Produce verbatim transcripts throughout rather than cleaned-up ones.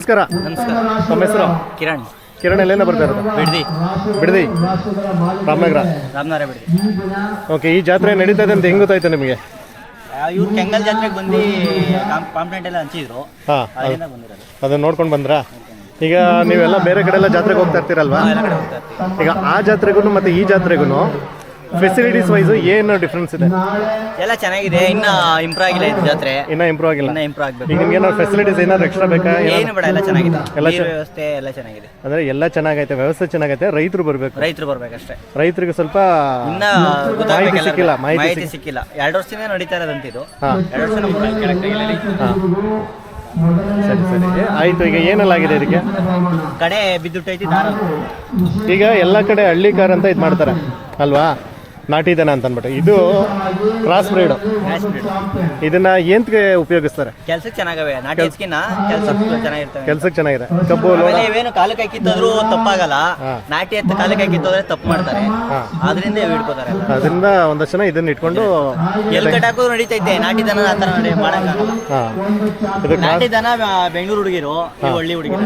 ನಮಸ್ಕಾರ. ನಮಸ್ಕಾರ. ನಮ್ಮ ಹೆಸರು ಕಿರಣ್. ಕಿರಣ್ ಎಲ್ಲಿಂದ ಬರ್ತಾ ಇರೋದು? ಬಿಡದಿ. ಬಿಡದಿ ರಾಮನಗರ. ರಾಮನಗರ ಬಿಡದಿ. ಓಕೆ, ಈ ಜಾತ್ರೆ ನಡೀತಾ ಇದೆ ಅಂತ ಹೆಂಗ್ ಗೊತ್ತಾಯ್ತು ನಿಮಗೆ? ಇವ್ರು ಕೆಂಗಲ್ ಜಾತ್ರೆಗೆ ಬಂದು ಕಾಂಪ್ಲೇಂಟ್ ಎಲ್ಲ ಹಂಚಿದ್ರು. ಹಾಂ, ಅಲ್ಲಿಂದ ಬಂದಿರೋದು. ಅದನ್ನ ನೋಡ್ಕೊಂಡು ಬಂದ್ರಾ? ಈಗ ನೀವೆಲ್ಲ ಬೇರೆ ಕಡೆ ಎಲ್ಲ ಜಾತ್ರೆಗೆ ಹೋಗ್ತಾ ಇರ್ತೀರಲ್ವಾ? ಎಲ್ಲ ಕಡೆ ಹೋಗ್ತಾ ಇರ್ತೀವಿ. ಈಗ ಆ ಜಾತ್ರೆಗೂ ಮತ್ತು ಈ ಜಾತ್ರೆಗೂ ಫೆಸಿಲಿಟೀಸ್ ವೈಸು ಏನು ಡಿಫ್ರೆನ್ಸ್ ಇದೆ? ಎಲ್ಲ ಚೆನ್ನಾಗಿದೆ, ಇನ್ನ ಇಂಪ್ರೂವ್ ಆಗಿಲ್ಲ ಇದು ಜಾತ್ರೆ. ಇನ್ನೂ ಇಂಪ್ರೂವ್ ಆಗಿಲ್ಲ. ಇನ್ನ ಇಂಪ್ರೂವ್ ಆಗಬೇಕು. ಈಗ ನಿಮ್ಗೆ ಏನಾದ್ರು ಫೆಸಿಲಿಟೀಸ್ ಏನಾದ್ರು ಎಕ್ಸ್ಟ್ರಾ ಬೇಕಾ? ಏನು ಬೇಡ, ಎಲ್ಲ ಚೆನ್ನಾಗಿದೆ. ಎಲ್ಲ ನೀರು ವ್ಯವಸ್ಥೆ ಎಲ್ಲ ಚೆನ್ನಾಗಿದೆ. ಅಂದರೆ ಎಲ್ಲ ಚೆನ್ನಾಗೈತೆ, ವ್ಯವಸ್ಥೆ ಚೆನ್ನಾಗೈತೆ. ರೈತರು ಬರಬೇಕು. ರೈತರು ಬರ್ಬೇಕಷ್ಟೇ. ರೈತರಿಗೆ ಸ್ವಲ್ಪ ಇನ್ನ ಮಾಹಿತಿ ಸಿಕ್ಕಿಲ್ಲ. ಮಾಹಿತಿ ಸಿಕ್ಕಿಲ್ಲ. ಎರಡು ವರ್ಷದಿಂದ ನಡೀತಾ ಇರೋದಂತ ಇದು. ಹಾಂ, ಎರಡು ವರ್ಷ ನಮ್ಮ ಹಾಂ, ಸರಿ ಸರಿ ಆಯಿತು. ಈಗ ಏನೆಲ್ಲ ಆಗಿದೆ ಇದಕ್ಕೆ? ಕಡೆ ಬಿದ್ದುಟ್ಟೈತಿ ದಾರ. ಈಗ ಎಲ್ಲ ಕಡೆ ಹಳ್ಳಿ ಕಾರ್ ಅಂತ ಇದು ಮಾಡ್ತಾರೆ ಅಲ್ವಾ, ನಾಟಿ ದನ ಅಂತ ಅಂದ್ಬಿಟ್ಟು. ಇದು ಕ್ರಾಸ್ ಬ್ರೀಡ್. ಇದನ್ನ ಏನ್ಗೆ ಉಪಯೋಗಿಸ್ತಾರೆ? ಕೆಲ್ಸಕ್ಕೆ ಚೆನ್ನಾಗವೆ. ನಾಟಿ ಹೆಚ್ಚಿನ ಕೆಲ್ಸಕ್ಕೆ ಚೆನ್ನಾಗಿರ್ತವೆ. ಕೆಲ್ಸಕ್ಕೆ ಚೆನ್ನಾಗಿದೆ. ಕಬ್ಬು ಇವೇನು ಕಾಲಕ್ಕೆ ಹಾಕಿತ್ತಂದ್ರೂ ತಪ್ಪಾಗಲ್ಲ. ನಾಟಿ ಎತ್ತ ಕಾಲಕ್ಕೆ ಹಾಕಿತ್ತಂದ್ರೆ ತಪ್ಪು ಮಾಡ್ತಾರೆ. ಅದರಿಂದ ಹಿಡ್ಕೋತಾರೆ. ಅದರಿಂದ ಒಂದಷ್ಟು ಜನ ಇದನ್ನ ಇಟ್ಕೊಂಡು ಎಲ್ ಕಟ್ ಹಾಕೋದು ನಡೀತೈತೆ. ನಾಟಿ ದನ ಆ ಥರ ನಡಿ ಮಾಡಕ್ಕಾಗಲ್ಲ. ಹಾಂ, ನಾಟಿ ದನ ಬೆಂಗಳೂರು ಹುಡುಗಿರು, ಇವು ಹಳ್ಳಿ ಹುಡುಗಿರು.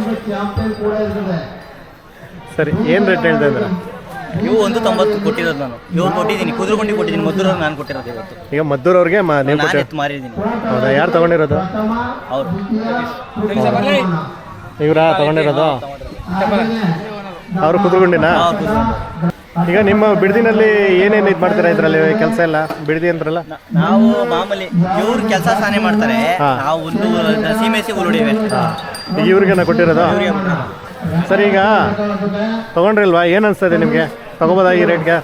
ಸರಿ, ಏನು ರೇಟ್ ಹೇಳ್ತಾ ಇದ್ದೀರಾ? ಇವು ಒಂದು ತೊಂಬತ್ತು ಕೊಟ್ಟಿರೋದು ನಾನು. ಇವ್ರು ಕೊಟ್ಟಿದ್ದೀನಿ, ಕುದುರೆಗುಂಡಿ ಕೊಟ್ಟಿದ್ದೀನಿ. ಮದ್ದೂರವ್ರು ನಾನು ಕೊಟ್ಟಿರೋದು ಇವತ್ತು. ಈಗ ಮದ್ದೂರವ್ರಿಗೆ ನಾನು ಎತ್ತು ಮಾರಿದ್ದೀನಿ. ಹೌದಾ? ಯಾರು ತಗೊಂಡಿರೋದು? ಅವರು ಇವರಾ ತಗೊಂಡಿರೋದು? ಅವರು ಕುದುರೆಗುಂಡಿನಾ? ಈಗ ನಿಮ್ಮ ಬಿಡದಿನಲ್ಲಿ ಏನೇನು ಇದು ಮಾಡ್ತೀರಾ ಇದರಲ್ಲಿ ಕೆಲಸ ಎಲ್ಲ? ಬಿಡದಿ ಅಂತಾರಲ್ಲ, ನಾವು ಮಾಮೂಲಿ ಇವ್ರು ಕೆಲಸ ಸಾನೆ ಮಾಡ್ತಾರೆ. ನಾವು ಒಂದು ಸೀಮೆಸಿ ಉರುಳಿವೆ. ಈಗ ಇವ್ರಿಗೆ ನಾ ಕೊಟ್ಟಿರೋದು? ಸರಿ, ಈಗ ತಗೊಂಡ್ರಿಲ್ವಾ? ಏನು ಅನಿಸ್ತದೆ ನಿಮಗೆ? ತಗೋಬೋದಾ ಈ ರೇಟ್ಗೆ?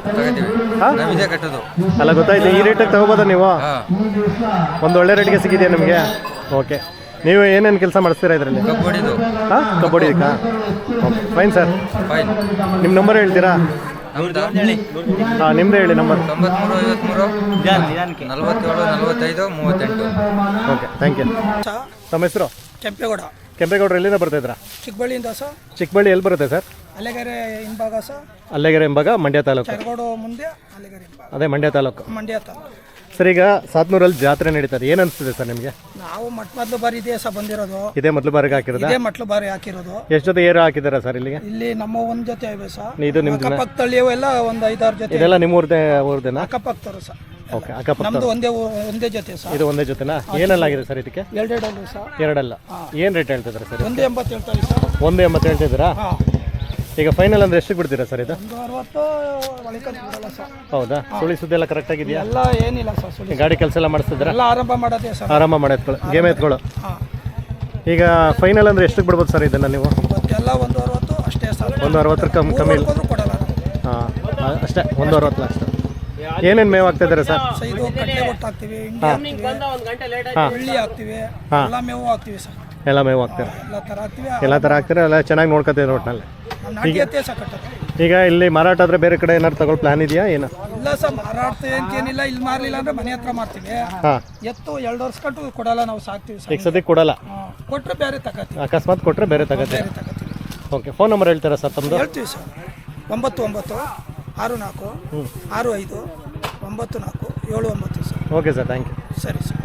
ಅಲ್ಲ, ಗೊತ್ತಾಯ್ತು. ಈ ರೇಟಿಗೆ ತಗೋಬೋದಾ ನೀವು? ಒಂದು ಒಳ್ಳೆ ರೇಟ್ಗೆ ಸಿಕ್ಕಿದೆಯಾ ನಿಮಗೆ? ಓಕೆ. ನೀವು ಏನೇನು ಕೆಲಸ ಮಾಡಿಸ್ತೀರಾ ಇದರಲ್ಲಿ? ಹಾಂ, ಕಬಡ್ಡಿಕಾ? Okay, fine sir. ನಿಮ್ಮ ನಂಬರ್ ಹೇಳ್ತೀರಾ? ಹಾಂ, ನಿಮ್ಮದೇ ಹೇಳಿ ನಂಬರ್. ತೊಂಬತ್ಮೂರು ಐವತ್ಮೂರು ನಲವತ್ತೇಳು ನಲವತ್ತೈದು ಮೂವತ್ತೆಂಟು. Okay, thank you. ತಮ್ಮ ಹೆಸರು? ಕೆಂಪೇಗೌಡ. ಕೆಂಪೇಗೌಡರು ಎಲ್ಲಿಂದ ಬರ್ತಾಯಿದ್ರಾ? ಚಿಕ್ಕಬಳ್ಳಿಯಿಂದ ಸರ್. ಚಿಕ್ಕಬಳ್ಳಿ ಎಲ್ಲಿ ಬರುತ್ತೆ ಸರ್? ಅಲೆಗೆರೆ ಹಿಂಭಾಗ ಸರ್. ಅಲ್ಲೆಗೆರೆ ಎಂಬಾಗ ಮಂಡ್ಯ ತಾಲೂಕು. ಚರಗೋಡು ಮುಂದೆ ಅಲೆಗೆರೆ ಹಿಂಭಾಗ. ಅದೇ ಮಂಡ್ಯ ತಾಲೂಕು. ಮಂಡ್ಯ ತಾಲೂಕು. ಸರ್, ಈಗ ಸಾತ್ನೂರಲ್ಲಿ ಜಾತ್ರೆ ನಡೀತದೆ, ಏನು ಅನಿಸ್ತದೆ ಸರ್ ನಿಮಗೆ? ನಾವು ಮೊಟ್ಟ ಮೊದಲು ಬಾರಿ ಇದೇ ಸಹ ಬಂದಿರೋದು. ಇದೇ ಮೊದಲು ಬಾರಿಗೆ ಹಾಕಿರೋದು? ಇದೇ ಮೊಟ್ಲು ಬಾರಿ ಹಾಕಿರೋದು. ಎಷ್ಟು ಜೊತೆ ಏರು ಹಾಕಿದಾರ ಸರ್ ಇಲ್ಲಿಗೆ? ಇಲ್ಲಿ ನಮ್ಮ ಒಂದ್ ಜೊತೆ ಇವೆ ಸರ್. ಇದು ನಿಮ್ದು? ಅಕ್ಕಪಕ್ಕ ತಳ್ಳಿಯವು ಎಲ್ಲ ಒಂದು ಐದಾರು ಜೊತೆ. ಇದೆಲ್ಲ ನಿಮ್ಮ ಊರ್ದೇ ಊರ್ದೇನಾ? ಅಕ್ಕಪಕ್ಕರು ಸರ್. ಓಕೆ, ಅಕ್ಕಪಕ್ಕ. ನಮ್ದು ಒಂದೇ ಊ- ಒಂದೇ ಜೊತೆ ಸರ್. ಇದು ಒಂದೇ ಜೊತೆನಾ? ಏನೆಲ್ಲ ಆಗಿದೆ ಸರ್ ಇದಕ್ಕೆ? ಎರಡೆರಡಲ್ಲೂ ಸರ್. ಎರಡಲ್ಲ. ಏನು ರೇಟ್ ಹೇಳ್ತಿದ್ದಾರೆ ಸರ್? ಒಂದು ಎಂಬತ್ತು ಹೇಳ್ತಾರೆ ಸರ್. ಒಂದು ಎಂಬತ್ತು ಹೇಳ್ತಿದ್ದೀರಾ? ಹಾಂ. ಈಗ ಫೈನಲ್ ಅಂದ್ರೆ ಎಷ್ಟಕ್ಕೆ ಬಿಡ್ತೀರಾ ಸರ್ ಇದು? ಒಂದು ಅರವತ್ತು ಒಳಗೆ ಬಿಡಲ್ಲ ಸರ್. ಹೌದಾ? ಸುಳಿ ಸುದ್ದಿ ಎಲ್ಲ ಕರೆಕ್ಟ್ ಆಗಿದೆಯಾ? ಎಲ್ಲ ಏನಿಲ್ಲ ಸರ್. ಸುಳಿ ಗಾಡಿ ಕೆಲಸ ಎಲ್ಲ ಮಾಡಿಸ್ತಿದ್ದೀರಾ? ಎಲ್ಲ ಆರಂಭ ಮಾಡೋದೇ ಸರ್. ಆರಾಮ ಮಾಡಿ ಗೇಮ್ ಎತ್ಕೊಳ್ಳೋ. ಹಾಂ. ಈಗ ಫೈನಲ್ ಅಂದ್ರೆ ಎಷ್ಟಕ್ಕೆ ಬಿಡ್ಬೋದು ಸರ್ ಇದನ್ನು ನೀವು? ಇವತ್ತೆಲ್ಲ ಒಂದು ಅರವತ್ತು ಅಷ್ಟೇ ಸರ್. ಒಂದು ಅರವತ್ತರ ಕಮ್ಮಿ ಕಮ್ಮಿ ಇಲ್ಲ? ಹೋದ್ರೂ ಕೊಡಲ್ಲ ನಾವು. ಹಾಂ, ಅಷ್ಟೇ. ಒಂದು ಅರವತ್ತು ಲಕ್ಷ. ಏನೇನು ಮೇವು ಆಗ್ತಿದ್ದಾರೆ ಸರ್? ಸೊ ಇದು ಕಟ್ಟೆ ಕೊಟ್ಟು ಹಾಕ್ತೀವಿ, ಹಿಂಡಿ ಹಾಕ್ತೀವಿ, ಹಾಂ, ಹುಳ್ಳಿ ಹಾಕ್ತೀವಿ, ಹಾಂ. ಎಲ್ಲ ಮೇವು ಹಾಕ್ತೀವಿ ಸರ್. ಎಲ್ಲ ಮೇವು ಹಾಕ್ತಾರೆ? ಎಲ್ಲ ಥರ ಹಾಕ್ತೀವಿ. ಎಲ್ಲ ಥರ ಹಾಕ್ತಾರೆ. ಎಲ್ಲ ಚೆನ್ನಾಗಿ ನೋಡ್ಕೊತೀವಿ ಒಟ್ಟಿನಲ್ಲಿ. ನಾಟಿ ಎತ್ತೇ ಸಹ ಕಟ್ಟೋದು. ಈಗ ಇಲ್ಲಿ ಮಾರಾಟ ಆದರೆ ಬೇರೆ ಕಡೆ ಏನಾದ್ರು ತಗೊಳ್ಳೋ ಪ್ಲಾನ್ ಇದೆಯಾ ಏನು? ಇಲ್ಲ ಸರ್, ಮಾರಾಟ ಅಂತೇನಿಲ್ಲ. ಇಲ್ಲಿ ಮಾರಲಿಲ್ಲ ಅಂದ್ರೆ ಮನೆ ಹತ್ರ ಮಾಡ್ತೀವಿ. ಹಾಂ. ಎತ್ತು ಎರಡು ವರ್ಷ ಕಟ್ಟು ಕೊಡಲ್ಲ, ನಾವು ಸಾಕ್ತೀವಿ ಸರ್. ಈಗ ಸದ್ಯಕ್ಕೆ ಕೊಡಲ್ಲ? ಹಾಂ, ಕೊಟ್ಟರೆ ಬೇರೆ ತಗೋತೀವಿ. ಅಕಸ್ಮಾತ್ ಕೊಟ್ಟರೆ ಬೇರೆ ತಗೋತೀವಿ. ಬೇರೆ ತಗೋತೀವಿ. ಓಕೆ, ಫೋನ್ ನಂಬರ್ ಹೇಳ್ತೀರಾ ಸರ್ ತಮ್ಮದು? ಹೇಳ್ತೀವಿ ಸರ್. ಒಂಬತ್ತು ಒಂಬತ್ತು ಆರು ನಾಲ್ಕು ಆರು ಐದು ಒಂಬತ್ತು ನಾಲ್ಕು ಏಳು ಒಂಬತ್ತು sir. Okay sir, thank you. ಸರಿ ಸರ್.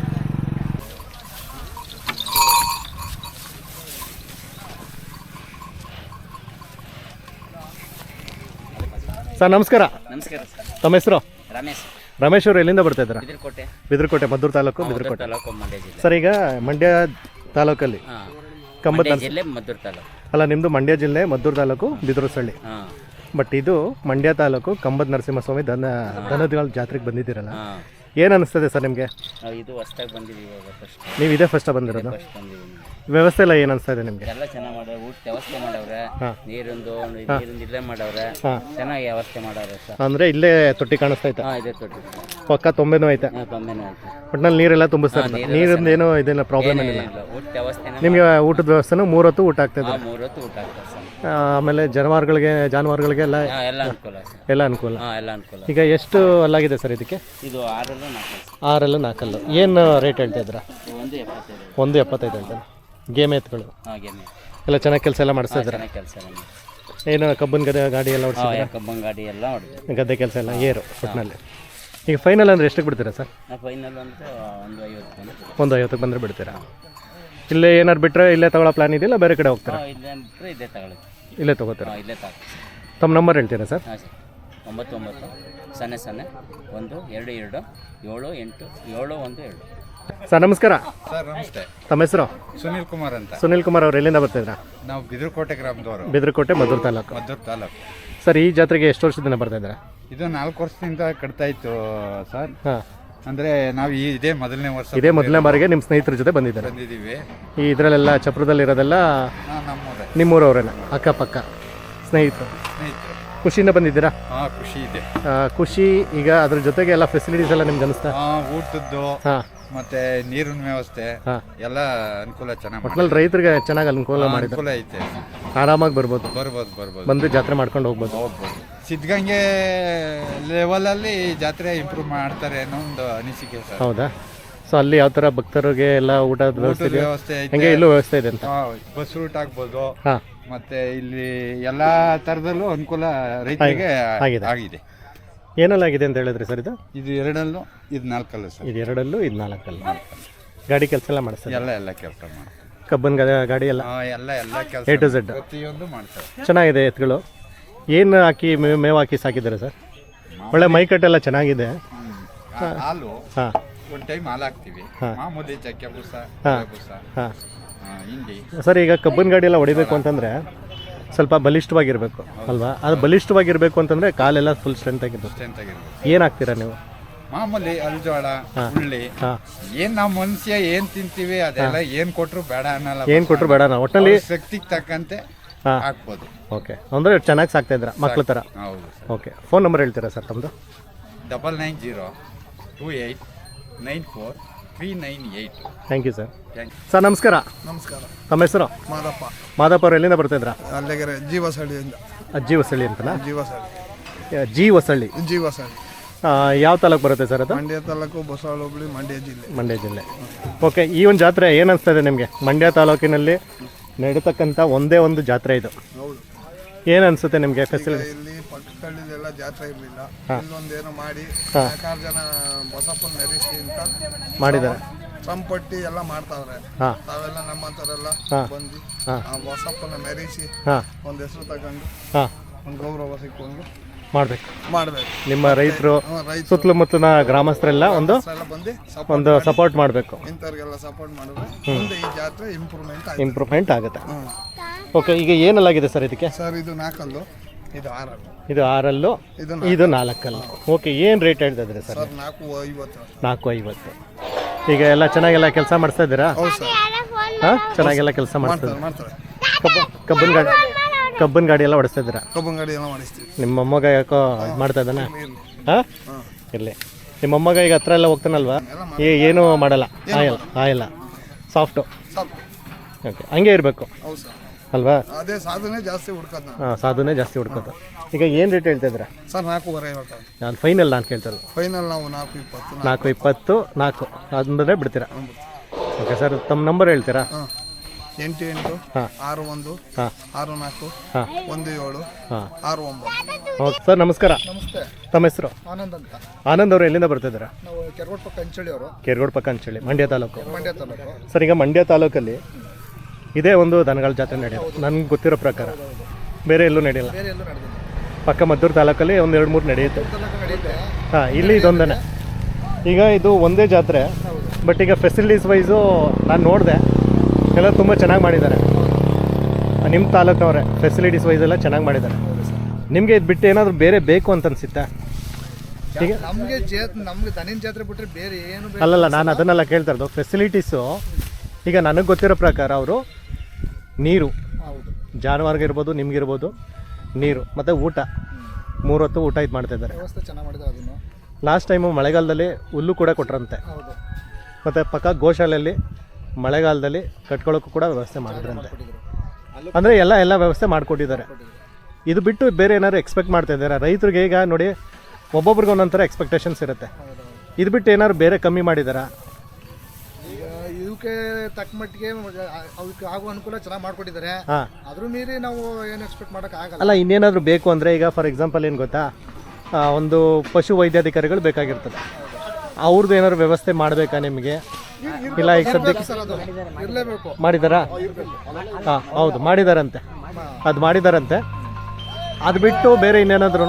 ಸರ್ ನಮಸ್ಕಾರ. ನಮಸ್ಕಾರ ಸರ್. ತಮ್ಮ ಹೆಸರು? ರಮೇಶ್. ರಮೇಶ್ ಅವರು ಎಲ್ಲಿಂದ ಬರ್ತಾ ಇದ್ದೀರಾ? ಬಿದಿರ್ಕೋಟೆ. ಬಿದಿರ್ಕೋಟೆ, ಮದ್ದೂರು ತಾಲೂಕು, ಬಿದಿರ್ಕೋಟೆ. ತಾಲೂಕು, ಮಂಡ್ಯ ಜಿಲ್ಲೆ. ಸರ್, ಈಗ ಮಂಡ್ಯ ತಾಲೂಕಲ್ಲಿ ಹಾಂ. ಕಂಬದ ಮಂಡ್ಯ ಜಿಲ್ಲೆ, ಮದ್ದೂರು ತಾಲೂಕು. ಅಲ್ಲ, ನಿಮ್ಮದು ಮಂಡ್ಯ ಜಿಲ್ಲೆ, ಮದ್ದೂರು ತಾಲೂಕು, ಬಿದಿರುಸಳ್ಳಿ. ಹಾಂ. ಬಟ್ ಇದು ಮಂಡ್ಯ ತಾಲೂಕು ಕಂಬದ ನರಸಿಂಹಸ್ವಾಮಿ ದನ ದನಗಳ ಜಾತ್ರೆಗೆ ಬಂದಿದ್ದೀರಲ್ಲ, ಹಾಂ. ಏನು ಅನಿಸ್ತದೆ ಸರ್ ನಿಮಗೆ? ನಾವು ಇದು ಹೊಸ್ದಾಗಿ ಬಂದಿದ್ದೀವಿ ಇವಾಗ ಫಸ್ಟ್. ನೀವು ಇದೇ ಫಸ್ಟ್ ಬಂದಿರೋದು? ಫಸ್ಟ್ ಬಂದಿದ್ದೀನಿ. ವ್ಯವಸ್ಥೆ ಎಲ್ಲ ಏನು ಅನಿಸ್ತಾ ಇದೆ ನಿಮಗೆ? ಎಲ್ಲ ಚೆನ್ನಾಗಿ ಮಾಡವ್ರೆ. ಊಟ ವ್ಯವಸ್ಥೆ ಮಾಡವ್ರೆ. ಹಾಂ. ನೀರಿಂದು ನೀರಿಂದು ಇಲ್ಲೇ ಮಾಡವ್ರೆ. ಹಾಂ. ಚೆನ್ನಾಗಿ ವ್ಯವಸ್ಥೆ ಮಾಡವ್ರೆ ಸರ್. ಅಂದರೆ ಇಲ್ಲೇ ತೊಟ್ಟಿ ಕಾಣಿಸ್ತಾ ಐತೆ? ಹಾಂ, ಇದೆ ತೊಟ್ಟಿ. ಪಕ್ಕ ತೊಂಬೆನೂ ಐತೆ? ಹಾಂ, ತೊಂಬೆನೂ ಐತೆ. ಒಟ್ಟಿನಲ್ಲಿ ನೀರೆಲ್ಲ ತುಂಬಿಸ್ತಾರೆ? ನೀರಿಂದ ಏನೋ ಇದೆಲ್ಲ ಪ್ರಾಬ್ಲಮ್ ಏನಿಲ್ಲ? ಊಟ ವ್ಯವಸ್ಥೆ ನಿಮಗೆ ಊಟದ ವ್ಯವಸ್ಥೆನೂ ಮೂರು ಹೊತ್ತು ಊಟ ಆಗ್ತದೆ? ಮೂರು ಹೊತ್ತು ಊಟ ಆಗ್ತದೆ ಸರ್. ಆಮೇಲೆ ಜಾನುವಾರುಗಳಿಗೆ ಜಾನುವಾರುಗಳಿಗೆಲ್ಲ ಹಾಂ, ಎಲ್ಲ ಅನುಕೂಲ ಸರ್. ಎಲ್ಲ ಅನುಕೂಲ? ಹಾಂ, ಎಲ್ಲ ಅನುಕೂಲ. ಈಗ ಎಷ್ಟು ಅಲ್ಲಾಗಿದೆ ಸರ್ ಇದಕ್ಕೆ? ಇದು ಆರಲ್ಲೂ ನಾಲ್ಕು ಸರ್. ಆರಲ್ಲೂ ನಾಲ್ಕಲ್ಲು. ಏನು ರೇಟ್ ಹೇಳ್ತಾ ಇದ್ದೀರಾ? ಒಂದು ಎಪ್ಪತ್ತೈದು. ಒಂದು ಎಪ್ಪತ್ತೈದು ಹೇಳ್ತಾನೆ. ಗೇಮ್ ಎತ್ಗಳು ಹಾಂ, ಗೇಮೆ ಎಲ್ಲ ಚೆನ್ನಾಗಿ ಕೆಲಸ ಎಲ್ಲ ಮಾಡಿಸ್ತಾ ಇದ್ದಾರೆ? ಚೆನ್ನಾಗಿ ಕೆಲಸ ಎಲ್ಲ ಮಾಡಿ. ಏನು ಕಬ್ಬನ್ ಗದೆ ಗಾಡಿ ಎಲ್ಲ ಓಡಿಸಿದ್ರೆ? ಕಬ್ಬನ್ ಗಾಡಿ ಎಲ್ಲ ಹೊಡೆದು ಗದ್ದೆ ಕೆಲಸ ಎಲ್ಲ ಏರು ಒಟ್ಟಿನಲ್ಲಿ. ಈಗ ಫೈನಲ್ ಅಂದರೆ ಎಷ್ಟಕ್ಕೆ ಬಿಡ್ತೀರಾ ಸರ್? ಫೈನಲ್ ಅಂತ ಒಂದು ಐವತ್ತು ಬಂದು ಒಂದು ಐವತ್ತಕ್ಕೆ ಬಂದರೆ ಬಿಡ್ತೀರಾ? ಇಲ್ಲೇ ಏನಾರು ಬಿಟ್ಟರೆ ಇಲ್ಲೇ ತಗೊಳ್ಳೋ ಪ್ಲಾನ್ ಇದೆಯಲ್ಲ ಬೇರೆ ಕಡೆ ಹೋಗ್ತೀರಾ? ಇಲ್ಲೇ ಬಿಟ್ಟರೆ ಇಲ್ಲೇ ತಗೊಳ್ಳಿ. ಇಲ್ಲೇ ತೊಗೋತೀರಾ? ಹಾಂ ಇಲ್ಲೇ ತಗೊಳ್ಳಿ. ತಮ್ಮ ನಂಬರ್ ಹೇಳ್ತೀರಾ ಸರ್? ಹಾಂ ಸರ್, ಒಂಬತ್ತು ಒಂಬತ್ತು ಸೊನ್ನೆ ಸೊನ್ನೆ ಒಂದು ಎರಡು ಎರಡು ಏಳು ಎಂಟು ಏಳು ಒಂದು ಎರಡು. ಸರ್ ನಮಸ್ಕಾರ. ಸರ್ ನಮಸ್ತೆ. ತಮ್ಮ ಹೆಸರು? ಸುನೀಲ್ ಕುಮಾರ್ ಅಂತ. ಸುನೀಲ್ ಕುಮಾರ್ ಅವ್ರು ಎಲ್ಲಿಂದ ಬರ್ತಿದ್ರಾ? ನಾವು ಬಿದಿರುಕೋಟೆ ಗ್ರಾಮದವರು, ಬಿದ್ರಕೋಟೆ ಮದ್ದೂರು ತಾಲೂಕು. ಮದ್ದೂರು ತಾಲೂಕು. ಸರ್ ಈ ಜಾತ್ರೆಗೆ ಎಷ್ಟು ವರ್ಷದಿಂದ ಬರ್ತಾ ಇದ್ದೀರಾ? ಇದು ನಾಲ್ಕು ವರ್ಷದಿಂದ ಕಟ್ತಾ ಇತ್ತು ಸರ್. ಹಾಂ, ಅಂದರೆ ನಾವು ಈ ಇದೇ ಮೊದಲನೇ ವರ್ಷ ಇದೇ ಮೊದಲನೇ ಬಾರಿಗೆ ನಿಮ್ಮ ಸ್ನೇಹಿತರ ಜೊತೆ ಬಂದಿದ್ದಾರೆ. ಬಂದಿದ್ದೀವಿ. ಈ ಇದರಲ್ಲೆಲ್ಲ ಚಪ್ರದಲ್ಲಿರೋದೆಲ್ಲ ಹಾಂ, ನಮ್ಮೂರೇ, ನಿಮ್ಮೂರವ್ರೇನ? ಅಕ್ಕಪಕ್ಕ ಸ್ನೇಹಿತರು ಸ್ನೇಹಿತರು. ಖುಷಿಯಿಂದ ಬಂದಿದ್ದೀರಾ? ಹಾಂ, ಖುಷಿ ಇದೆ. ಆ, ಖುಷಿ. ಈಗ ಅದ್ರ ಜೊತೆಗೆ ಎಲ್ಲ ಫೆಸಿಲಿಟೀಸ್ ಎಲ್ಲ ನಿಮ್ಗೆ ಅನಿಸ್ತಾ? ಹಾಂ, ಊಟದ್ದು ಹಾಂ ಮತ್ತೆ ನೀರಿನ ವ್ಯವಸ್ಥೆ ಹಾಂ, ಎಲ್ಲ ಅನುಕೂಲ ಚೆನ್ನಾಗಿ ಒಟ್ನಲ್ಲಿ ರೈತರಿಗೆ ಚೆನ್ನಾಗಿ ಅನುಕೂಲ ಮಾಡಿದ್ದಾರೆ. ಅನುಕೂಲ ಐತೆ. ಆರಾಮಾಗಿ ಬರ್ಬೋದು, ಬರ್ಬೋದು ಬರ್ಬೋದು ಬಂದು ಜಾತ್ರೆ ಮಾಡ್ಕೊಂಡು ಹೋಗ್ಬೋದು. ಹೋಗ್ಬೋದು. ಸಿದ್ಧಗಂಗೆ ಲೆವೆಲಲ್ಲಿ ಜಾತ್ರೆ ಇಂಪ್ರೂವ್ ಮಾಡ್ತಾರೆ ಅನ್ನೋ ಒಂದು ಅನಿಸಿಕೆ ಸರ್. ಹೌದಾ? ಸೊ ಅಲ್ಲಿ ಯಾವ ಥರ ಭಕ್ತರಿಗೆ ಎಲ್ಲ ಊಟದ ವ್ಯವಸ್ಥೆ ಊಟದ ಇದೆ? ವ್ಯವಸ್ಥೆ ಐತೆ. ಹೆಂಗೆ ಇಲ್ಲೂ ವ್ಯವಸ್ಥೆ ಇದೆ ಅಂತ? ಹಾಂ, ಬಸ್ ರೂಟ್ ಆಗ್ಬೋದು. ಹಾಂ, ಮತ್ತೆ ಇಲ್ಲಿ ಎಲ್ಲಾ ತರದಲ್ಲೂ ಅನುಕೂಲ ರೈತರಿಗೆ ಆಗಿದೆ. ಆಗಿದೆ. ಏನೆಲ್ಲ ಆಗಿದೆ ಅಂತ ಹೇಳಿದ್ರಿ ಸರ್? ಇದು ಇದು ಎರಡಲ್ಲೂ ಇದು ನಾಲ್ಕಲ್ಲ ಸರ್. ಇದು ಎರಡಲ್ಲೂ ಇದು ನಾಲ್ಕಲ್ಲ. ಗಾಡಿ ಕೆಲಸ ಎಲ್ಲ ಮಾಡಿಸ್ತಾರೆ? ಎಲ್ಲ ಎಲ್ಲ ಕೆಲಸ ಮಾಡ್ತಾರೆ. ಕಬ್ಬನ್ ಗಾ- ಗಾಡಿ ಎಲ್ಲ ಹಾಂ, ಎಲ್ಲ ಎಲ್ಲ ಕೆಲಸ ಎ ಟು ಝೆಡ್ ಪ್ರತಿಯೊಂದು ಮಾಡ್ತಾರೆ. ಚೆನ್ನಾಗಿದೆ. ಎತ್ತುಗಳು ಏನು ಹಾಕಿ ಮೇವು ಮೇವು ಹಾಕಿ ಸಾಕಿದ್ದಾರೆ ಸರ್? ಒಳ್ಳೆ ಮೈಕಟ್ಟೆಲ್ಲ ಚೆನ್ನಾಗಿದೆ. ಆ, ಹಾಲು ಹಾಂ ಒಂದು ಟೈಮ್ ಹಾಲು ಹಾಕ್ತಿವಿ. ಹಾಂ. ಮಾಮೂಲಿ ಚಕ್ಕೆ ಬೂಸ, ಹಾಂ. ಬೂಸ, ಹಾಂ ಆ, ಹಿಂಡಿ. ಸರ್ ಈಗ ಕಬ್ಬನ್ ಗಾಡಿ ಎಲ್ಲ ಹೊಡಿಬೇಕು ಅಂತಂದರೆ ಸ್ವಲ್ಪ ಬಲಿಷ್ಠವಾಗಿರಬೇಕು ಅಲ್ವಾ? ಅದು ಬಲಿಷ್ಠವಾಗಿರಬೇಕು ಅಂತಂದರೆ ಕಾಲೆಲ್ಲ ಫುಲ್ ಸ್ಟ್ರೆಂತ್ ಆಗಿರ್ಬೇಕು. ಸ್ಟ್ರೆಂತ್ ಆಗಿರ್ಬೇಕು. ಏನು ಹಾಕ್ತೀರಾ ನೀವು? ಮಾಮೂಲಿ ಅಲ್ಜೋಳ, ಹುಳ್ಳಿ, ಹಾಂ, ಏನ್ ನಾವು ಮನುಷ್ಯ ಏನ್ ತಿಂತೀವಿ ಅದೆಲ್ಲ ಏನ್ ಕೊಟ್ರು ಬೇಡ ಅನ್ನಲ್ಲ. ಏನು ಕೊಟ್ಟರು ಬೇಡ ನಾವು ಒಟ್ಟಲ್ಲಿ ಶಕ್ತಿಗೆ ತಕ್ಕಂತೆ ಹಾಂ ಹಾಕ್ಬೋದು. ಓಕೆ. ಅಂದರೆ ಚೆನ್ನಾಗಿ ಸಾಕ್ತಾ ಇದ್ದೀರಾ ಮಕ್ಳ ಥರ? ಹೌದು ಸರ್. ಓಕೆ. ಫೋನ್ ನಂಬರ್ ಹೇಳ್ತೀರಾ ಸರ್ ತಮ್ಮದು? Double nine zero two eight nine four three nine eight. Thank you sir. Thank you. Sir ನಮಸ್ಕಾರ. ನಮಸ್ಕಾರ. ತಮ್ಮ ಹೆಸರು? ಮಾದಪ್ಪ, ಮಾದಪ್ಪ ಅವ್ರು ಎಲ್ಲಿಂದ ಬರ್ತಿದ್ರಾ? ಅಲ್ಲಿಗೆರೆ ಜೀವಸಳ್ಳಿಯಿಂದ. ಅಜ್ಜಿ ಹೊಸಳ್ಳಿ ಅಂತನಾ? ಜೀವಸಳ್ಳಿ, ಜಿ ಹೊಸಳ್ಳಿ. ಜೀವಸಳ್ಳಿ, ಆ, ಯಾವ ತಾಲೂಕು ಬರುತ್ತೆ ಸರ್ ಅದು? ಮಂಡ್ಯ ತಾಲೂಕು, ಬಸವಳ ಹೋಬಳಿ, ಮಂಡ್ಯ ಜಿಲ್ಲೆ. ಮಂಡ್ಯ ಜಿಲ್ಲೆ. ಓಕೆ. ಈ ಒಂದು ಜಾತ್ರೆ ಏನು ಅನಿಸ್ತಾ ಇದೆ ನಿಮಗೆ? ಮಂಡ್ಯ ತಾಲೂಕಿನಲ್ಲಿ ನಡೀತಕ್ಕಂಥ ಒಂದೇ ಒಂದು ಜಾತ್ರೆ ಇದು. ಹೌದು. ಏನು ಅನಿಸುತ್ತೆ ನಿಮಗೆ ಫೆಸಿಲಿಟಿ? ಇಲ್ಲಿ ಪಕ್ಕದಲ್ಲಿದೆಲ್ಲ ಜಾತ್ರೆ ಇರಲಿಲ್ಲ. ಹಾಂ. ಇಲ್ಲೊಂದೇನೋ ಮಾಡಿ ಹಾಂ. ನಾಲ್ಕಾರು ಜನ ಬಸಪ್ಪನ ಮೆರೆಸಿ ಅಂತ ಮಾಡಿದ್ದಾರೆ. ಸಂಪಟ್ಟಿ ಎಲ್ಲ ಮಾಡ್ತಾವ್ರೆ. ಹಾಂ ತಾವೆಲ್ಲ ನಮ್ಮಂಥವರೆಲ್ಲ ಹಾಂ. ಬಂದು ಹಾಂ. ಆ ಬಸಪ್ಪನ ಮೆರೆಸಿ ಹಾಂ ಒಂದು ಹೆಸರು ತಗೊಂಡು ಹಾಂ ಒಂದು ಗೌರವ ಸಿಕ್ಕೊಂಡು ಮಾಡಬೇಕು. ಮಾಡಬೇಕು. ನಿಮ್ಮ ರೈತರು ರೈತರು ಸುತ್ತಮುತ್ತಲಿನ ಗ್ರಾಮಸ್ಥರೆಲ್ಲ ಒಂದು ಎಲ್ಲ ಬಂದು ಒಂದು ಸಪೋರ್ಟ್ ಮಾಡಬೇಕು. ಇಂಥವ್ರಿಗೆಲ್ಲ ಸಪೋರ್ಟ್ ಮಾಡಿದ್ರೆ ಮುಂದೆ ಈ ಜಾತ್ರೆ ಇಂಪ್ರೂವ್ಮೆಂಟ್ ಆಯ್ತು. ಇಂಪ್ರೂವ್ಮೆಂಟ್ ಆಗುತ್ತೆ. ಹ್ಮ್. ಓಕೆ. ಈಗ ಏನಲ್ಲಾಗಿದೆ ಸರ್ ಇದಕ್ಕೆ? ಸರ್ ಇದು ನಾಲ್ಕಲ್ಲು, ಇದು ಆರಲ್ಲು, ಇದು ಆರಲ್ಲು, ಇದು ಇದು ನಾಲ್ಕಲ್ಲು. ಓಕೆ. ಏನು ರೇಟ್ ಹೇಳ್ತಾ ಇದ್ದೀರಿ ಸರ್? ಸರ್ ನಾಲ್ಕು ಐವತ್ತು. ನಾಲ್ಕು ಐವತ್ತು. ಈಗ ಎಲ್ಲ ಚೆನ್ನಾಗೆಲ್ಲ ಕೆಲಸ ಮಾಡಿಸ್ತಾ ಇದ್ದೀರಾ? ಹೌದು ಸರ್, ಹಾಂ, ಚೆನ್ನಾಗೆಲ್ಲ ಕೆಲಸ ಮಾಡಿಸ್ತಾ ಮಾಡ್ತಾರೆ ಮಾಡ್ತಾರೆ. ಕಬ್ಬ ಕಬ್ಬನ್ ಗಾಡಿ ಕಬ್ಬನ್ ಗಾಡಿ ಎಲ್ಲ ಓಡಿಸ್ತಾ ಇದ್ದೀರಾ? ಕಬ್ಬನ್ ಗಾಡಿ ಎಲ್ಲ ಮಾಡಿಸ್ತೀವಿ. ನಿಮ್ಮ ಮೊಮ್ಮಗ ಯಾಕೋ ಇದು ಮಾಡ್ತಾ ಇದ್ದಾನೆ? ಇರ್ಲಿ. ಹಾಂ, ಹಾಂ. ಇರಲಿ. ನಿಮ್ಮ ಮೊಮ್ಮಗ ಈಗ ಹತ್ರ ಎಲ್ಲ ಹೋಗ್ತಾನಲ್ವಾ? ಏ ಏನೂ ಮಾಡಲ್ಲ, ಆಯಲ್ಲ ಆಯಲ್ಲ ಸಾಫ್ಟು. ಸ್ವಲ್ಪ ಓಕೆ. ಹಂಗೆ ಇರಬೇಕು ಹೌದು ಸರ್, ಅಲ್ವಾ? ಅದೇ ಸಾಧನೆ ಜಾಸ್ತಿ ಹುಡ್ಕೋದು ನಾವು. ಹಾಂ, ಸಾಧುನೇ ಜಾಸ್ತಿ ಹುಡ್ಕೋದು. ಈಗ ಏನು ರೇಟ್ ಹೇಳ್ತಾ ಇದ್ದೀರಾ? ಸರ್ ನಾಲ್ಕೂವರೆ ಹೇಳ್ತಾರೆ. ನಾನು ಫೈನಲ್ ನಾನು ಕೇಳ್ತಾರೆ ಫೈನಲ್ ನಾವು ನಾಲ್ಕು ಇಪ್ಪತ್ತು. ನಾಲ್ಕು ಇಪ್ಪತ್ತು ನಾಲ್ಕು ಅಂದರೆ ಬಿಡ್ತೀರಾ? Okay sir. ತಮ್ಮ ನಂಬರ್ ಹೇಳ್ತೀರಾ? ಹಾಂ, ಎಂಟು ಎಂಟು ಹಾಂ. ಆರು ಒಂದು ಹಾಂ ಆರು ನಾಲ್ಕು ಹಾಂ ಒಂದು ಏಳು ಹಾಂ. ಆರು ಒಂಬತ್ತು. Okay sir. ನಮಸ್ಕಾರ. ನಮಸ್ತೆ. ತಮ್ಮ ಹೆಸರು? ಆನಂದ್ ಅಂತ. ಆನಂದ್ ಅವರು ಎಲ್ಲಿಂದ ಬರ್ತಿದ್ದೀರಾ? ನಾವು ಕೆರಗೋಡ್ ಪಕ್ಕ ಅಂಚಳಿ ಅವರು, ಕೇರ್ಗೋಡ್ ಪಕ್ಕ ಅಂತೇಳಿ ಮಂಡ್ಯ ತಾಲೂಕು. ಮಂಡ್ಯ ತಾಲೂಕು. ಸರ್ ಈಗ ಮಂಡ್ಯ ತಾಲೂಕಲ್ಲಿ ಇದೇ ಒಂದು ದನಗಳ ಜಾತ್ರೆ ನಡೆಯೋದು ನನಗೆ ಗೊತ್ತಿರೋ ಪ್ರಕಾರ. ಬೇರೆ ಎಲ್ಲೂ ನಡೆಯಲ್ಲ. ಬೇರೆ ಎಲ್ಲೂ ನಡೆದಿಲ್ಲ. ಪಕ್ಕ ಮದ್ದೂರು ತಾಲೂಕಲ್ಲಿ ಒಂದು ಎರಡು ಮೂರು ನಡೆಯುತ್ತೆ. ತಾಲೂಕು ನಡೆಯುತ್ತೆ. ಹಾಂ, ಇಲ್ಲಿ ಇದೊಂದೇ. ಈಗ ಇದು ಒಂದೇ ಜಾತ್ರೆ, ಬಟ್ ಈಗ ಫೆಸಿಲಿಟೀಸ್ ವೈಸು ನಾನು ನೋಡಿದೆ ಎಲ್ಲ ತುಂಬ ಚೆನ್ನಾಗಿ ಮಾಡಿದ್ದಾರೆ. ನಿಮ್ಮ ತಾಲೂಕವರೇ ಫೆಸಿಲಿಟೀಸ್ ವೈಸ್ ಎಲ್ಲ ಚೆನ್ನಾಗಿ ಮಾಡಿದ್ದಾರೆ. ನಿಮಗೆ ಇದು ಬಿಟ್ಟು ಏನಾದರೂ ಬೇರೆ ಬೇಕು ಅಂತ ಅನಿಸುತ್ತಾ? ಈಗ ನಮಗೆ ಜೇ ನಮ್ಗೆ ದನಿನ ಜಾತ್ರೆ ಬಿಟ್ಟರೆ ಬೇರೆ ಏನು ಬೇಕು? ಅಲ್ಲಲ್ಲ, ನಾನು ಅದನ್ನೆಲ್ಲ ಕೇಳ್ತಾ ಇರೋದು. ಫೆಸಿಲಿಟೀಸು ಈಗ ನನಗೆ ಗೊತ್ತಿರೋ ಪ್ರಕಾರ ಅವರು ನೀರು, ಹೌದು, ಜಾನುವಾರಿಗಿರ್ಬೋದು, ನಿಮಗಿರ್ಬೋದು, ನೀರು ಮತ್ತು ಊಟ, ಮೂರು ಹೊತ್ತು ಊಟ ಇದು ಮಾಡ್ತಾಯಿದ್ದಾರೆ. ವ್ಯವಸ್ಥೆ ಚೆನ್ನಾಗಿ ಮಾಡಿದ್ದಾರೆ ಅದನ್ನು. ಲಾಸ್ಟ್ ಟೈಮು ಮಳೆಗಾಲದಲ್ಲಿ ಹುಲ್ಲು ಕೂಡ ಕೊಟ್ರಂತೆ. ಹೌದು, ಮತ್ತು ಪಕ್ಕ ಗೋಶಾಲೆಯಲ್ಲಿ ಮಳೆಗಾಲದಲ್ಲಿ ಕಟ್ಕೊಳ್ಳೋಕ್ಕೂ ಕೂಡ ವ್ಯವಸ್ಥೆ ಮಾಡಿದ್ರಂತೆ. ಅಂದರೆ ಎಲ್ಲ ಎಲ್ಲ ವ್ಯವಸ್ಥೆ ಮಾಡಿಕೊಟ್ಟಿದ್ದಾರೆ. ಇದು ಬಿಟ್ಟು ಬೇರೆ ಏನಾದ್ರು ಎಕ್ಸ್ಪೆಕ್ಟ್ ಮಾಡ್ತಾ ಇದ್ದಾರೆ ರೈತರಿಗೆ? ಈಗ ನೋಡಿ, ಒಬ್ಬೊಬ್ರಿಗೆ ಒಂದೊಂಥರ ಎಕ್ಸ್ಪೆಕ್ಟೇಷನ್ಸ್ ಇರುತ್ತೆ. ಇದು ಬಿಟ್ಟು ಏನಾದ್ರು ಬೇರೆ ಕಮ್ಮಿ ಮಾಡಿದಾರಾ? ಈಗ ಇವಕ್ಕೆ ತಕ್ಕ ಮಟ್ಟಿಗೆ ಅವಕ್ಕೆ ಆಗುವ ಅನುಕೂಲ ಚೆನ್ನಾಗಿ ಮಾಡ್ಕೊಟ್ಟಿದ್ದಾರೆ. ಹಾಂ. ಅದ್ರ ಮೀರಿ ನಾವು ಏನು ಎಕ್ಸ್ಪೆಕ್ಟ್ ಮಾಡೋಕೆ ಆಗಲ್ಲ. ಅಲ್ಲ, ಇನ್ನೇನಾದರೂ ಬೇಕು ಅಂದರೆ ಈಗ ಫಾರ್ ಎಕ್ಸಾಂಪಲ್ ಏನು ಗೊತ್ತಾ, ಆ, ಒಂದು ಪಶು ವೈದ್ಯಾಧಿಕಾರಿಗಳು ಬೇಕಾಗಿರ್ತದೆ. ಅವ್ರದ್ದು ಏನಾದ್ರು ವ್ಯವಸ್ಥೆ ಮಾಡಬೇಕಾ ನಿಮಗೆ? ಇಲ್ಲ ಈಗ ಸದ್ಯಕ್ಕೆ ಇರಲೇಬೇಕು. ಮಾಡಿದಾರಾ? ಹಾಂ ಹೌದು ಮಾಡಿದಾರಂತೆ, ಅದು ಮಾಡಿದಾರಂತೆ. ಅದು ಬಿಟ್ಟು ಬೇರೆ ಇನ್ನೇನಾದ್ರೂ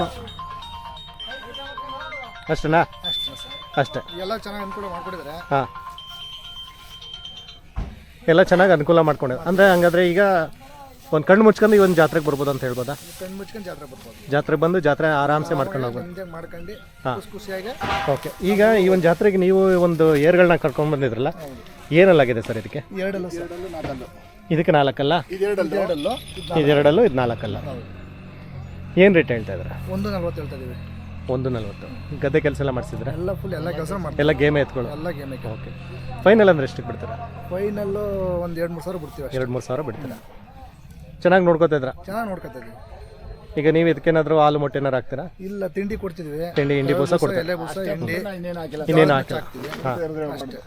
ಅಷ್ಟೇನಾ? ಅಷ್ಟೇ. ಎಲ್ಲ ಚೆನ್ನಾಗಿ ಅನುಕೂಲ ಮಾಡ್ಕೊಟ್ಟಿದ್ದಾರೆ. ಹಾಂ ಎಲ್ಲ ಚೆನ್ನಾಗಿ ಅನುಕೂಲ ಮಾಡ್ಕೊಂಡಿದ್ದಾರೆ ಅಂದರೆ. ಹಂಗಾದ್ರೆ ಈಗ ಒಂದು ಕಣ್ಣು ಮುಚ್ಕೊಂಡು ಈ ಒಂದು ಜಾತ್ರೆಗೆ ಬರ್ಬೋದು ಅಂತ ಹೇಳ್ಬೋದಾ? ಕಣ್ಣು ಮುಚ್ಕೊಂಡು ಜಾತ್ರೆ ಬರ್ಬೋದು. ಜಾತ್ರೆ ಬಂದು ಜಾತ್ರೆ ಆರಾಮ್ಸೆ ಮಾಡ್ಕೊಂಡು ಹೋಗ್ಬೋದು. ಎಂಜಾಯ್ ಮಾಡ್ಕೊಂಡು ಹಾಂ ಖುಷಿ ಖುಷಿಯಾಗಿ. ಓಕೆ. ಈಗ ಈ ಒಂದು ಜಾತ್ರೆಗೆ ನೀವು ಒಂದು ಏರ್ಗಳನ್ನ ಕರ್ಕೊಂಡು ಬಂದಿದ್ರಲ್ಲ, ಏನಲ್ಲಾಗಿದೆ ಸರ್ ಇದಕ್ಕೆ? ಎರಡಲ್ಲೂ ಎರಡಲ್ಲೂ ನಾಲ್ಕಲ್ಲು. ಇದಕ್ಕೆ ನಾಲ್ಕಲ್ಲ, ಇದೆರಡಲ್ಲೂ ಎರಡಲ್ಲೂ ಇದೆರಡಲ್ಲೂ ಇದು ನಾಲ್ಕಲ್ಲ. ಏನು ರೇಟ್ ಹೇಳ್ತಾ ಇದ್ದಾರೆ? ಒಂದು ನಲ್ವತ್ತು ಹೇಳ್ತಾ ಇದೀವಿ. ಒಂದು ನಲ್ವತ್ತು. ಗದ್ದೆ ಕೆಲಸ ಎಲ್ಲ ಮಾಡಿಸಿದ್ರೆ ಎಲ್ಲ ಫುಲ್ ಎಲ್ಲ ಕೆಲಸ ಮಾಡ್ತೀವಿ. ಎಲ್ಲ ಗೇಮೇ ಎತ್ಕೊಳ್ಳೋ? ಎಲ್ಲ ಗೇಮಿಗೆ. ಓಕೆ. ಫೈನಲ್ ಅಂದರೆ ಎಷ್ಟಕ್ಕೆ ಬಿಡ್ತೀರಾ? ಫೈನಲ್ಲು ಒಂದು ಎರಡು ಮೂರು ಸಾವಿರ ಬಿಡ್ತೀವಿ ಅಷ್ಟೇ. ಎರಡು ಮೂರು ಸಾವಿರ ಬಿಡ್ತೀರಾ? ಚೆನ್ನಾಗಿ ನೋಡ್ಕೋತಿದ್ರಾ? ಚೆನ್ನಾಗಿ ನೋಡ್ಕೊತಾ ಇದೀವಿ. ಈಗ ನೀವು ಇದಕ್ಕೇನಾದರೂ ಹಾಲು ಮೊಟ್ಟೆ ಏನಾರು ಹಾಕ್ತೀರಾ? ಇಲ್ಲ, ತಿಂಡಿ ಕೊಡ್ತಿದ್ವಿ. ತಿಂಡಿ ಹಿಂಡಿ ಬೂಸ ಕೊಡ್ತೀರಾ? ಎಲೆ ಬೂಸ, ಹಿಂಡಿ ಇನ್ನೇನು ಹಾಕಿಲ್ಲ? ಹಾಂ ಅಷ್ಟೇ.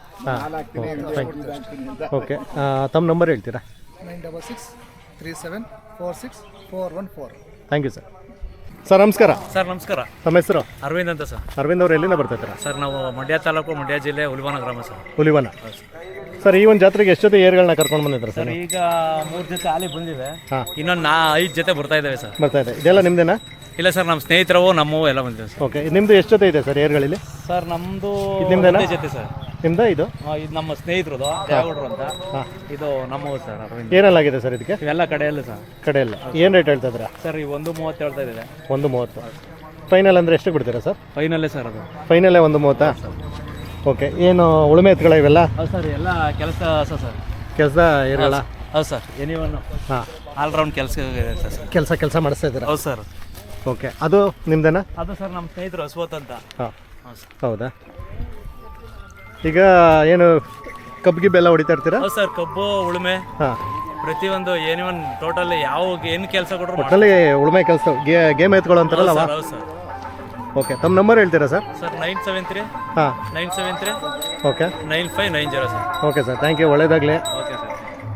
ಹಾಂ ಓಕೆ. ತಮ್ಮ ನಂಬರ್ ಹೇಳ್ತೀರಾ? Nine double six three seven four six four one four. Thank you sir. Sir ನಮಸ್ಕಾರ. ಸರ್ ನಮಸ್ಕಾರ. ತಮ್ಮ ಹೆಸರು? ಅರವಿಂದ್ ಅಂತ ಸರ್. ಅರವಿಂದ್ ಅವ್ರು ಎಲ್ಲಿಂದ ಬರ್ತಾಯಿದ್ದೀರಾ? ಸರ್ ನಾವು ಮಂಡ್ಯ ತಾಲೂಕು, ಮಂಡ್ಯ ಜಿಲ್ಲೆ, ಹುಲಿವನ ಗ್ರಾಮ ಸರ್. ಹುಲಿವನ. ಸರ್ ಈ ಒಂದು ಜಾತ್ರೆಗೆ ಎಷ್ಟು ಜೊತೆ ಏರ್ಗಳನ್ನ ಕರ್ಕೊಂಡು ಬಂದಿದ್ರು ಸರ್? ಈಗ ಮೂರು ಜೊತೆ ಹಾಲಿ ಬಂದಿವೆ. ಹಾಂ. ಇನ್ನೊಂದು ನಾ ಐದು ಜೊತೆ ಬರ್ತಾ ಇದ್ದಾವೆ ಸರ್. ಬರ್ತಾ ಇದೆ. ಇದೆಲ್ಲ ನಿಮ್ಮದೇನಾ? ಇಲ್ಲ ಸರ್, ನಮ್ಮ ಸ್ನೇಹಿತರವು ನಮ್ಮವು ಎಲ್ಲ ಬಂದಿವೆ ಸರ್. ಓಕೆ. ನಿಮ್ಮದು ಎಷ್ಟು ಜೊತೆ ಇದೆ ಸರ್ ಏರ್ಗಳಲ್ಲಿ? ಸರ್ ನಮ್ಮದು ಇದು ನಿಮ್ದೇನಾ? ಜೊತೆ ಸರ್. ನಿಮ್ದು ಇದು? ಆ, ಇದು ನಮ್ಮ ಸ್ನೇಹಿತರದು ದೇವಗೌಡರು ಅಂತ. ಹಾಂ. ಇದು ನಮ್ಮವು ಸರ್. ಅರವಿಂದ್. ಏನಲ್ಲಾಗಿದೆ ಸರ್ ಇದಕ್ಕೆ? ಇವೆಲ್ಲ ಕಡೆಯಲ್ಲ ಸರ್. ಕಡೆಯಲ್ಲ. ಏನು ರೇಟ್ ಹೇಳ್ತಾ ಇದ್ದೀರಾ? ಸರ್ ಈ ಒಂದು ಮೂವತ್ತು ಹೇಳ್ತಾ ಇದ್ದಾರೆ. ಒಂದು ಮೂವತ್ತು. ಫೈನಲ್ ಅಂದರೆ ಎಷ್ಟು ಬಿಡ್ತೀರಾ ಸರ್? ಫೈನಲ್ಲೇ ಸರ್ ಅದು. ಫೈನಲ್ಲೇ ಒಂದು ಮೂವತ್ತಾ? ಓಕೆ. ಏನು ಉಳುಮೆ ಎತ್ಗಳ ಇವೆಲ್ಲ? ಹೌದು ಸರ್, ಎಲ್ಲ ಕೆಲಸ ಸರ್ ಸರ್ ಕೆಲಸ ಇರಲ್ಲ? ಹೌದು ಸರ್. ಎನಿವನ್ ಹಾಂ. ಆಲ್ರೌಂಡ್ ಕೆಲಸ ಇರುತ್ತೆ ಸರ್. ಕೆಲಸ ಕೆಲಸ ಮಾಡಿಸ್ತಾ ಇದ್ದೀರಾ? ಹೌದು ಸರ್. ಓಕೆ. ಅದು ನಿಮ್ದೇನಾ? ಅದು ಸರ್ ನಮ್ಮ ಸ್ನೇಹಿತರು ಅಶ್ವಥ್ ಅಂತ. ಹಾಂ. ಹೌದು ಸರ್. ಹೌದಾ? ಈಗ ಏನು ಕಬ್ಬಿಗೆ ಬೆಲ್ಲ ಹೊಡಿತಾ ಇರ್ತೀರಾ? ಹೌದು ಸರ್, ಕಬ್ಬು ಉಳುಮೆ ಹಾಂ. ಪ್ರತಿಯೊಂದು ಏನಿವನ್ ಟೋಟಲ್ ಯಾವ ಏನು ಕೆಲಸ ಕೊಟ್ಟರು ಒಟ್ಟಲ್ಲಿ ಉಳುಮೆ ಕೆಲಸ ಗೇಮ್ ಎತ್ಕೊಳ್ಳೋ ಅಂತಾರಲ್ಲ ಅವ? ಹೌದು ಸರ್. ಓಕೆ. ತಮ್ಮ ನಂಬರ್ ಹೇಳ್ತೀರಾ sir? Sir nine seven three ಹಾಂ. Nine seven three okay. Nine five nine zero sir. Okay sir, thank you. ಒಳ್ಳೇದಾಗಲಿ. Okay sir.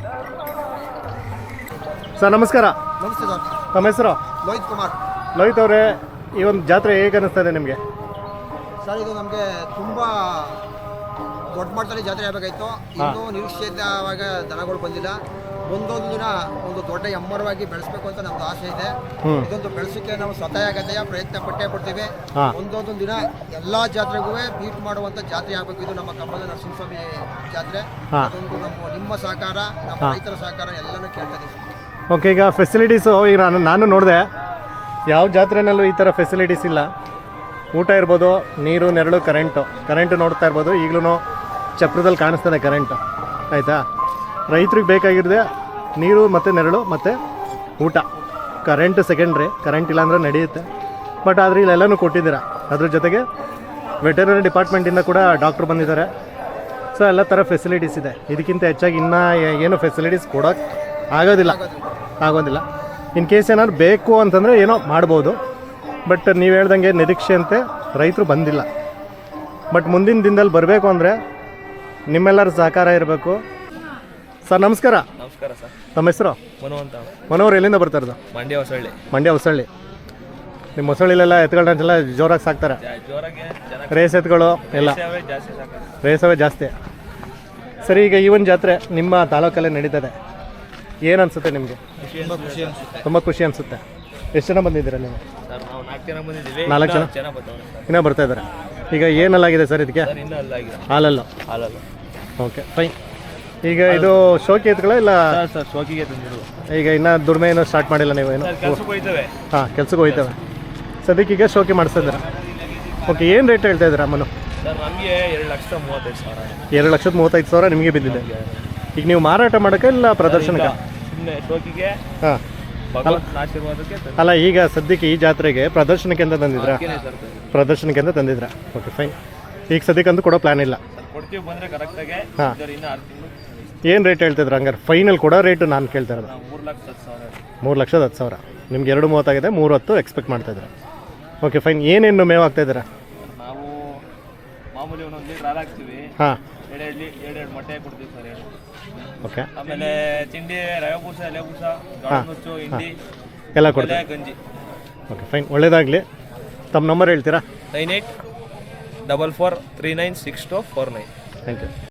ಸರ್ ನಮಸ್ಕಾರ. ನಮಸ್ತೆ ಸರ್. ತಮ್ಮ ಹೆಸರು? ಲೋಹಿತ್ ಕುಮಾರ್. ಲೋಹಿತ್ ಅವರೇ, ಈ ಒಂದು ಜಾತ್ರೆ ಹೇಗೆ ಅನ್ನಿಸ್ತಾ ಇದೆ ನಿಮಗೆ? ಸರ್ ಇದು ನಮಗೆ ತುಂಬ ದೊಡ್ಡ ಮಟ್ಟದಲ್ಲಿ ಜಾತ್ರೆ ಆಗಬೇಕಾಯ್ತು. ಇನ್ನೂ ನಿರೀಕ್ಷಿತವಾಗ ದನಗಳು ಬಂದಿಲ್ಲ. ಒಂದೊಂದು ದಿನ ಒಂದು ದೊಡ್ಡ ಎಮ್ಮರವಾಗಿ ಬೆಳೆಸಬೇಕು ಅಂತ ನಮ್ದು ಆಸೆ ಇದೆ. ಇದೊಂದು ಬೆಳೆಸೋಕ್ಕೆ ನಾವು ಸ್ವತಃ ಗತೆಯ ಪ್ರಯತ್ನ ಪಟ್ಟೇ ಪಡ್ತೀವಿ. ಒಂದೊಂದು ದಿನ ಎಲ್ಲ ಜಾತ್ರೆಗೂ ಬೀಟ್ ಮಾಡುವಂಥ ಜಾತ್ರೆ ಆಗಬೇಕು. ಇದು ನಮ್ಮ ಕಬ್ಬದ ನರಸಿಂಹಸ್ವಾಮಿ ಜಾತ್ರೆ. ಅದೊಂದು ನಮ್ಮ ನಿಮ್ಮ ಸಹಕಾರ, ನಮ್ಮ ರೈತರ ಸಹಕಾರ ಎಲ್ಲನೂ ಕೇಳ್ತಾ ಇದ್ದೀವಿ. ಓಕೆ. ಈಗ ಫೆಸಿಲಿಟೀಸು ಈಗ ನಾನು ನಾನು ನೋಡಿದೆ, ಯಾವ ಜಾತ್ರೆನಲ್ಲೂ ಈ ಥರ ಫೆಸಿಲಿಟೀಸ್ ಇಲ್ಲ. ಊಟ ಇರ್ಬೋದು, ನೀರು, ನೆರಳು, ಕರೆಂಟು. ಕರೆಂಟು ನೋಡ್ತಾ ಇರ್ಬೋದು, ಈಗಲೂ ಚಪ್ರದಲ್ಲಿ ಕಾಣಿಸ್ತದೆ ಕರೆಂಟು. ಆಯಿತಾ? ರೈತ್ರಿಗೆ ಬೇಕಾಗಿರೋದೆ ನೀರು ಮತ್ತು ನೆರಳು ಮತ್ತು ಊಟ. ಕರೆಂಟು ಸೆಕೆಂಡ್ರಿ, ಕರೆಂಟ್ ಇಲ್ಲಾಂದ್ರೆ ನಡೆಯುತ್ತೆ. ಬಟ್ ಆದರೆ ಇಲ್ಲೆಲ್ಲನೂ ಕೊಟ್ಟಿದ್ದೀರಾ. ಅದ್ರ ಜೊತೆಗೆ ವೆಟರ್ನರಿ ಡಿಪಾರ್ಟ್ಮೆಂಟಿಂದ ಕೂಡ ಡಾಕ್ಟ್ರು ಬಂದಿದ್ದಾರೆ. ಸೊ ಎಲ್ಲ ಥರ ಫೆಸಿಲಿಟೀಸ್ ಇದೆ. ಇದಕ್ಕಿಂತ ಹೆಚ್ಚಾಗಿ ಇನ್ನೂ ಏನು ಫೆಸಿಲಿಟೀಸ್ ಕೊಡೋಕ್ಕೆ ಆಗೋದಿಲ್ಲ ಆಗೋದಿಲ್ಲ ಇನ್ ಕೇಸ್ ಏನಾದ್ರು ಬೇಕು ಅಂತಂದರೆ ಏನೋ ಮಾಡ್ಬೋದು. ಬಟ್ ನೀವು ಹೇಳ್ದಂಗೆ ನಿರೀಕ್ಷೆಯಂತೆ ರೈತರು ಬಂದಿಲ್ಲ. ಬಟ್ ಮುಂದಿನ ದಿನದಲ್ಲಿ ಬರಬೇಕು ಅಂದರೆ ನಿಮ್ಮೆಲ್ಲರ ಸಹಕಾರ ಇರಬೇಕು. ಸರ್ ನಮಸ್ಕಾರ. ನಮಸ್ಕಾರ ಸರ್. ನಮ್ಮ ಹೆಸರು? ಮನು ಅಂತ. ಮನೋರು ಎಲ್ಲಿಂದ ಬರ್ತಾ ಇರೋದು? ಮಂಡ್ಯ ಹೊಸಳ್ಳಿ. ಮಂಡ್ಯ ಹೊಸಳ್ಳಿ. ನಿಮ್ಮ ಹೊಸಳ್ಳಿಲೆಲ್ಲ ಎತ್ಗಳನ್ನೆಲ್ಲ ಜೋರಾಗಿ ಸಾಕ್ತಾರೆ? ಜೋರಾಗಿ ರೇಸ್ ಎತ್ಗಳು ಎಲ್ಲ ಜಾಸ್ತಿ ಸಾಕಾಗುತ್ತೆ. ರೇಸವೇ ಜಾಸ್ತಿ. ಸರಿ, ಈಗ ಈ ಒಂದು ಜಾತ್ರೆ ನಿಮ್ಮ ತಾಲೂಕಲ್ಲೇ ನಡೀತದೆ. ಏನು ಅನಿಸುತ್ತೆ ನಿಮಗೆ? ತುಂಬ ಖುಷಿ ಅನಿಸುತ್ತೆ. ತುಂಬ ಖುಷಿ ಅನಿಸುತ್ತೆ. ಎಷ್ಟು ಜನ ಬಂದಿದ್ದೀರಾ ನೀವು? ಸರ್ ನಾವು ನಾಲ್ಕು ಜನ ಬಂದಿದ್ದೀವಿ. ನಾಲ್ಕು ಜನ ಜನ ಬರ್ತಾವೆ ಇನ್ನೂ ಬರ್ತಾ ಇದ್ದಾರೆ. ಈಗ ಏನಲ್ಲಾಗಿದೆ ಸರ್ ಇದಕ್ಕೆ? ಸರ್ ಇನ್ನೂ ಅಲ್ಲಾಗಿದೆ. ಹಾಲಲ್ಲ? ಹಾಲಲ್ಲ. Okay fine. ಈಗ ಇದು ಶೋಕಿ ಎತ್ಗಳ ಇಲ್ಲ? ಸರ್ ಸರ್ ಶೋಕಿಗೆ ತಂದಿರು. ಈಗ ಇನ್ನೂ ದುಡಿಮೆ ಏನೋ ಸ್ಟಾರ್ಟ್ ಮಾಡಿಲ್ಲ ನೀವು? ಏನು? ಕೆಲಸಕ್ಕೆ ಹೋಯ್ತವೆ. ಹಾಂ, ಕೆಲ್ಸಕ್ಕೆ ಹೋಯ್ತವೆ. ಸದ್ಯಕ್ಕೀಗ ಶೋಕಿ ಮಾಡಿಸ್ತಾ ಇದ್ದೀರಾ? ಓಕೆ. ಏನು ರೇಟ್ ಹೇಳ್ತಾ ಇದ್ದೀರಾ ಅಮ್ಮನು? ಸರ್ ನಮಗೆ ಎರಡು ಲಕ್ಷದ ಮೂವತ್ತೈದು ಸಾವಿರ. ಎರಡು ಲಕ್ಷದ ಮೂವತ್ತೈದು ಸಾವಿರ ನಿಮಗೆ ಬಿದ್ದಿದೆ. ಈಗ ನೀವು ಮಾರಾಟ ಮಾಡೋಕ್ಕೆ ಇಲ್ಲ ಪ್ರದರ್ಶನಕ್ಕೆ? ಸುಮ್ಮನೆ ಶೋಕಿಗೆ. ಹಾಂ. ಭಗವಂತನ ಆಶೀರ್ವಾದಕ್ಕೆ. ಅಲ್ಲ, ಈಗ ಸದ್ಯಕ್ಕೆ ಈ ಜಾತ್ರೆಗೆ ಪ್ರದರ್ಶನಕ್ಕೆ ಅಂತ ತಂದಿದ್ರಾ? ಸರ್ ಪ್ರದರ್ಶನಕ್ಕೆ ಅಂತ ತಂದಿದ್ರಾ? Okay fine. ಈಗ ಸದ್ಯಕ್ಕಂತೂ ಕೊಡೋ ಪ್ಲಾನ್ ಇಲ್ಲ? ಕೊಡ್ತೀವಿ ಬಂದರೆ ಕರೆಕ್ಟಾಗಿ. ಹಾಂ. ಇನ್ನೂ ಆರು ತಿಂಗಳು. ಏನು ರೇಟ್ ಹೇಳ್ತಿದ್ರು ಹಂಗಾರೆ? ಫೈನಲ್ ಕೊಡೋ ರೇಟು ನಾನು ಕೇಳ್ತಾ ಇರೋದು. ಮೂರು ಲಕ್ಷದ ಹತ್ತು ಸಾವಿರ. ಮೂರು ಲಕ್ಷದ ಹತ್ತು ಸಾವಿರ. ನಿಮ್ಗೆ ಎರಡು ಮೂವತ್ತಾಗಿದೆ, ಮೂರು ಹತ್ತು ಎಕ್ಸ್ಪೆಕ್ಟ್ ಮಾಡ್ತಾಯಿದ್ದೀರಾ? Okay fine. ಏನೇನು ಮೇವು ಹಾಕ್ತಾಯಿದ್ದೀರಾ? ನಾವು ಮಾಮೂಲಿ ಒಂದೊಂದು ಲೀಟ್ರ್ ಹಾಲು ಹಾಕ್ತೀವಿ. ಹಾಂ. ಎರಡು ಎರಡು ಎರಡು ಎರಡು ಮೊಟ್ಟೆ ಕೊಡ್ತೀವಿ ಸರ್. ಎರಡು. ಓಕೆ. ಆಮೇಲೆ ತಿಂಡಿ ರವೆ ಬೂಸ, ಎಲೆ ಬೂಸ, ಜೋಳ ನುಚ್ಚು, ಹಿಂಡಿ ಎಲ್ಲ ಕೊಡ್ತೀವಿ. ಗಂಜಿ. ಓಕೆ ಫೈನ್, ಒಳ್ಳೇದಾಗಲಿ. ತಮ್ಮ ನಂಬರ್ ಹೇಳ್ತೀರಾ? Nine eight double four three nine six two four nine. Thank you.